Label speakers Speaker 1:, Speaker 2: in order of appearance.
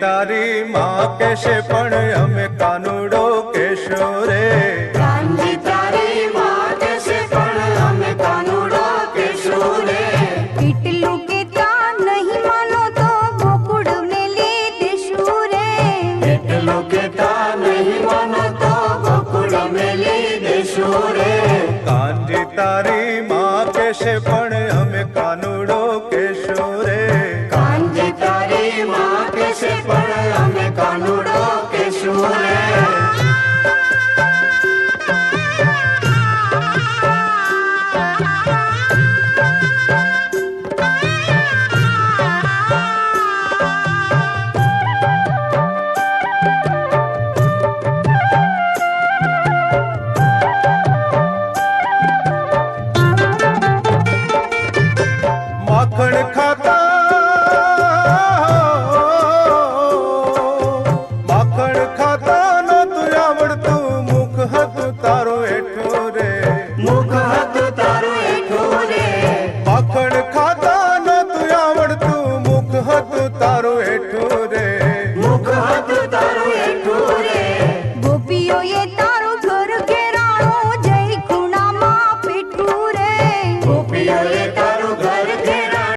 Speaker 1: तारी माँ कहेशे पण अमे कानुडो कहेशो रे।
Speaker 2: कांजी तारी माँ कहेशे पण अमे कानुडो कहेशो रे।
Speaker 3: એટલું કેતા નહીં માનો તો ગોકુળ મેલી દેશું રે।
Speaker 2: એટલું કેતા નહીં માનો તો ગોકુળ મેલી દેશું રે।
Speaker 1: कांजी तारी माँ कहेशे पण अमे कानुडो कहेशो रे।
Speaker 2: कांजी तारी माँ कहेशे पण अमे कानुडो कहेशो रे।